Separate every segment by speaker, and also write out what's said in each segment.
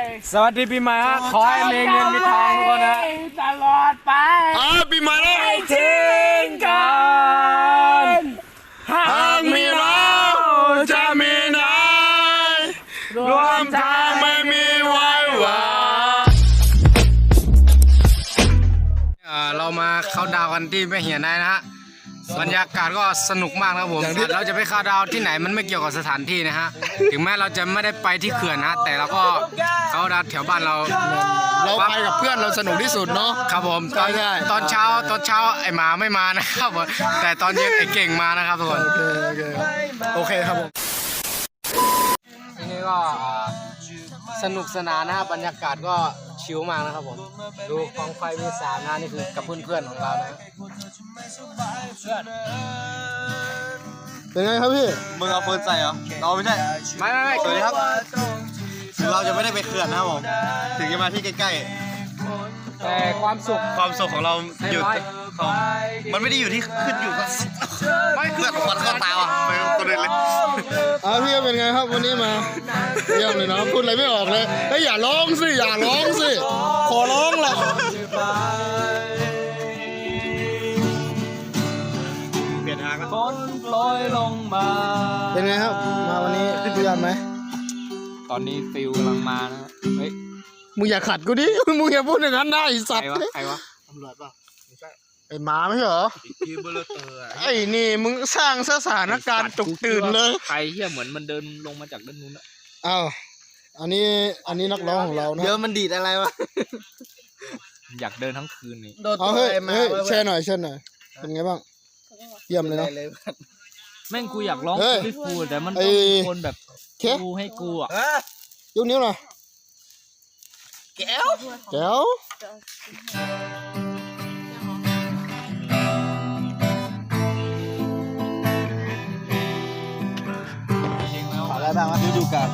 Speaker 1: สวัสดีปีใหม่ฮะขอให้มีเงินมีทองทุกคนนะตลอดไป
Speaker 2: ปีใหม่แล้ว
Speaker 1: ไม่ทิ้งกันหากมีเราจะมีนายรวมทางไม่มีไว้หวังเรามาเข้าดาวกันที่แม่เหียนนายนะฮะบรรยากาศก็สนุกมากนะครับผมเราจะไปเข้าดาวที่ไหนมันไม่เกี่ยวกับสถานที่นะฮะถึงแม้เราจะไม่ได้ไปที่เขื่อนนะแต่เราก็เข้าดาวแถวบ้านเรา
Speaker 2: ไปกับเพื่อนเราสนุกที่สุดเนาะ
Speaker 1: ครับผมตอนเช้าไอหมาไม่มานะครับแต่ตอนเย็นไอเก่งมานะครับทุกคน
Speaker 2: โอเคครับผม
Speaker 1: ทีนี้ก็สนุกสนานนะครับบรรยากาศก็ชิลมากนะครับผมดูกองไฟมี3นะนี่คือกับเพื่อนๆของเรานะ
Speaker 2: เป็นไงครับพี่
Speaker 3: มึงเอาเฟิร์นใส่เหรอเราไม่ใช่
Speaker 1: ไม่
Speaker 3: สวัสดีครับถึงเราจะไม่ได้ไปเขื่อนนะครับผมถึงจะมาที่ใกล้
Speaker 1: ๆแต่ความสุข
Speaker 3: ของเราอยู่มันไม่ได้อยู่ที่ขึ้นอยู่กับไม่เขื่อนมันเข้าตาว่ะไปตัวเด่นเลย
Speaker 2: พี่เป็นไงครับวันนี้มาเยี่ยมเลยนะพูดอะไรไม่ออกเลยเฮ้ยอย่าร้องสิขอร้องแหละ
Speaker 3: เปลี่ยนทางแล้ว
Speaker 1: ฝนโปรยลงมา
Speaker 2: เป็นไงครับมาวันนี้เยี่ยมไหม
Speaker 1: ตอนนี้ฟิลกำลังมานะเฮ้ย
Speaker 2: มึงอย่าขัดกูดิมึงอย่าพูดอย่างนั้นได้สัตว์
Speaker 1: ใครวะ
Speaker 3: ตำรวจป่ะไม่ใช่
Speaker 2: ไอ้หมาไม่ใช่เหรอ
Speaker 3: ที่เบลเตอร์
Speaker 2: ไอ้นี่มึงสร้างสถานการณ์ตกตื่นเลย
Speaker 1: ใครเหี้ยเหมือนมันเดินลงมาจากด้านนู้นอะ
Speaker 2: อ้าวอันนี้นักร้องของเรานะ
Speaker 3: เดี๋ยวมันดีดอะไรวะ
Speaker 1: อยากเดินทั้งคืนนี่
Speaker 2: เอาเฮ้ยแช่หน่อยเป็นไงบ้างเยี่ยมเลยนะ
Speaker 1: แม่งกูอยากร้องพี่ฟูแต่มันต้องมีคนแบบกูให้กูอ่ะ
Speaker 2: ยกนิ้วหน่อย
Speaker 3: แก้วอะไรบ้างวะดูกัน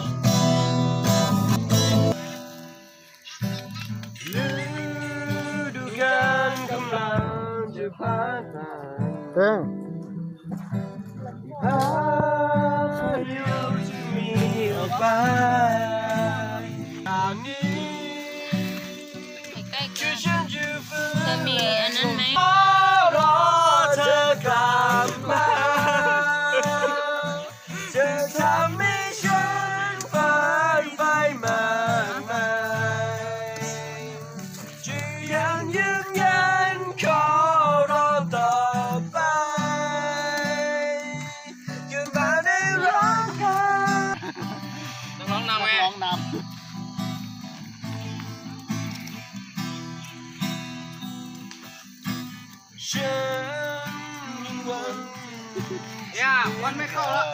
Speaker 1: ดูกันกำลังจะผ่านมา
Speaker 2: เฮ้ย
Speaker 1: พายุจะมีออกไปทางนี้
Speaker 4: ใกล้ๆกันจะมีอันนั้นไหม
Speaker 1: รอเธอกลับมาจะทำให้ฉันฝันไปมากมายจะยังยืนยันขอรอต่อไปยืนมาได้ร้องไห้ต้องร้องนำไงฉันวันไม่เข้าแล้ว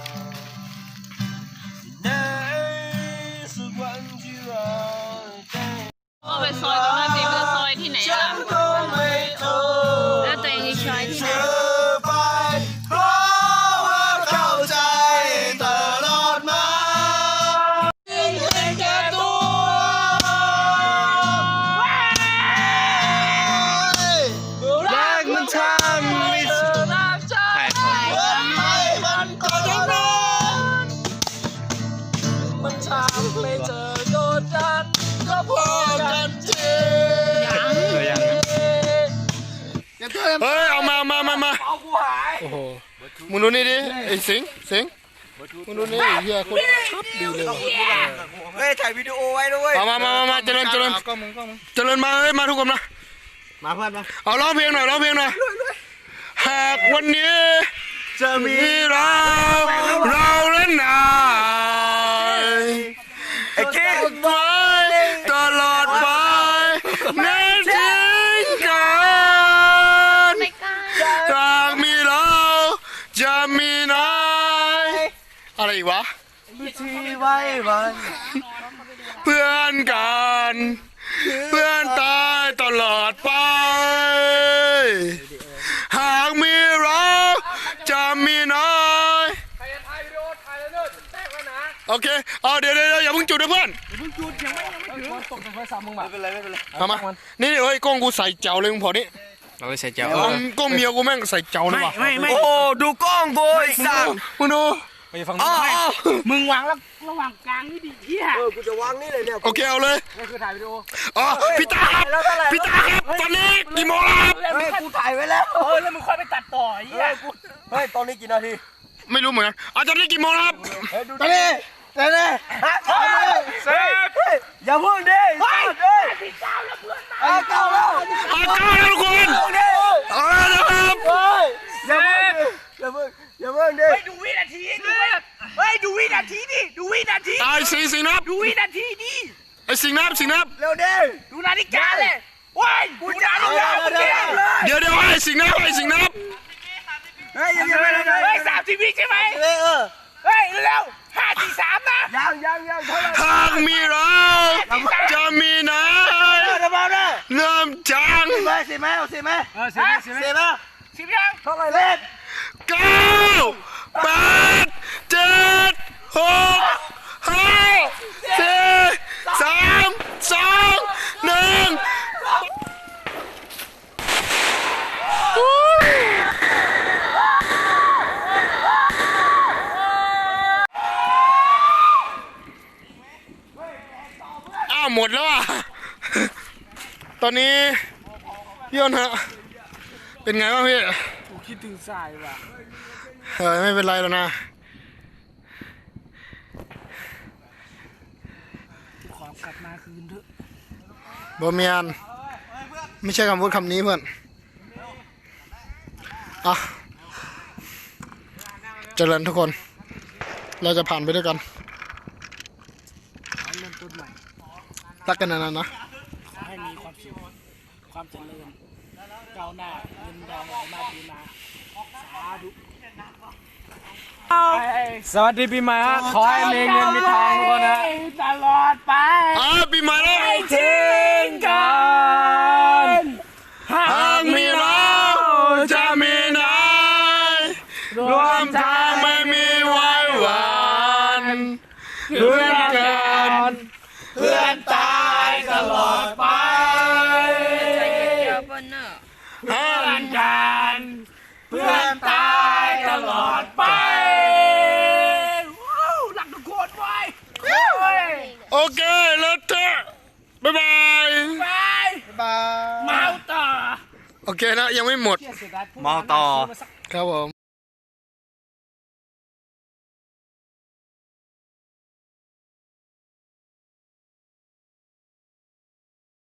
Speaker 4: ก็ไปซอยตรงนั้นดิมันจะซอยที่ไหนล่ะแล้วตัวเองจะซอยที่ไหน
Speaker 1: เพราะว่าเข้าใจตลอดมาเห็นแก่ตัวแรกมันทำไม่เจอรักใจมันก็ยังนอนมันทำไม่เจอกดดันก็พอกันจริง
Speaker 2: เฮ้ยเอามา
Speaker 1: เอากูหาย
Speaker 2: โอ้โหมึงดูนี่ดิไอ้สิงมึงดูนี่เฮียคนชัดดีเลย
Speaker 3: เฮ้ยถ่ายวิดีโอไว้ด้วย
Speaker 2: มาเจริญมาเฮ้ยมาทุกคนนะ
Speaker 3: มาเพื่อนมา
Speaker 2: เอาร้องเพลงหน่อยหากวันนี้
Speaker 3: จะมี
Speaker 2: เราเล่นนาย
Speaker 3: ไอ้เก๊ก
Speaker 2: ไว้ตลอดไปไม่ทิ้งกันหากมีเราจะมีนายอะไรอีกวะ
Speaker 3: ที่ไว้วัน
Speaker 2: เพื่อนกันเพื่อนตายตลอดไปหากมีเราจะมีนาย
Speaker 1: ใครจะถ่ายวิดีโอถ่ายเลยเนิ่นแตกแล้วนะ
Speaker 2: โอเคเดี๋ยวอย่าเพิ่งจุดนะเพื่อน
Speaker 1: ยังไม่ถึงตกจากไฟสามมึงมา
Speaker 3: ไม่เป็นไร
Speaker 2: มานี่เฮ้ยกล้องกูใส่เจ้าเลยมึงพอนี่
Speaker 1: เราใส่เจ้าก
Speaker 2: ล้องเมียกูแม่งใส่เจ้าเลยว่ะ
Speaker 3: ไม่โอ้ดูกล้องกูไอ้สัส
Speaker 2: มึงดู
Speaker 1: ไปฝั่ง
Speaker 3: อ๋
Speaker 1: นู้
Speaker 3: อน
Speaker 1: ไม่มึงวางแล้วระหว่างกลางนี่ดิเฮีย
Speaker 5: กูจะวางนี่เลยเนี่ย
Speaker 2: โอเคเอาเลย
Speaker 1: นี่คือถ่ายวิดีโอ
Speaker 2: อ๋อพี่ตาครับพี่ตาครับตอนนี้กี่โมงแล้วครับ
Speaker 5: เฮ้ยกูถ่ายไว้แล้ว
Speaker 1: แล้วมึงค่อยไปตัดต่อไอ้เหี้ย
Speaker 5: เฮ้ยตอนนี้กี่นาที
Speaker 2: ไม่รู้เหมือนกันอ๋อตอนนี้กี่โมงแล้วครับ
Speaker 5: ตอนนี้เซฟอย่าเพิ่งดิเฮ้ยเก้าแล้ว
Speaker 2: อ๋อเก้าแล้วทุกคนเอาละนะครับ
Speaker 5: อย่าเพิ่งดิ
Speaker 1: ดูวินาทีดูวินาทีดิดูวินาที
Speaker 2: ตายสิงนับ
Speaker 1: ดูวินาทีดิ
Speaker 2: ไอ้สิงนับ
Speaker 5: เร็วดิ
Speaker 1: ดูนาฬิกาเลยว้ายดูนาฬิกาเมื่อกี้
Speaker 2: เดี๋ยวไอ้สิงนับ
Speaker 5: เฮ้ยยังไม่ได้
Speaker 1: เฮ้ย30 วิใช่ไหมเฮ้ยเร็ว5 4 3นะ
Speaker 5: ยังเท่าไหร่
Speaker 2: หากมีเราจะมีนาย
Speaker 5: เดี๋ยวมาเด้อ
Speaker 2: เริ่มจาง
Speaker 5: สิไหมเอาสิไหม
Speaker 1: สิบยัง
Speaker 5: เท่าไหร่เล่น
Speaker 2: 9 8 7 6 5 4 3 2 1อ้าวหมดแล้วอ่ะ ตอนนี้พี่อ้นฮะเป็นไงบ้างพี่
Speaker 1: กูคิดถึงสายว่ะ
Speaker 2: ไม่เป็นไรแล้วนะ
Speaker 1: ขอกลับมาคืนเถอะ
Speaker 2: บอเมียนไม่ใช่คำพูดคำนี้เพื่อนอ่ะเจริญทุกคน เราจะผ่านไปด้วยกัน
Speaker 1: เริ่มต้นใหม่
Speaker 2: รักกันนานๆนะ
Speaker 1: ขอให้มีความสุขความเจริญก้าวหน้าเงินทองไหลมาดีมาสาธุสวัสดีปีใหม่ฮะขอให้มีเงินมีทองทุกคนนะตลอดไป
Speaker 2: ปีใหม่แล้ว
Speaker 1: ทิ้งกัน
Speaker 2: หากมีเราจะมีนายรวมทางไม่มีไว้หวานเพื่อนกันเพื่อนตายตลอดไป
Speaker 1: เพื่อนกันเพื่อนตายตลอดไปว้าวหลักทุกคนไว้
Speaker 2: โอเคแล้วเถอะบ๊ายบาย
Speaker 1: ไปเมาต่อ
Speaker 2: โอเคนะยังไม่หมด
Speaker 3: เมาต่อ
Speaker 2: ครับผม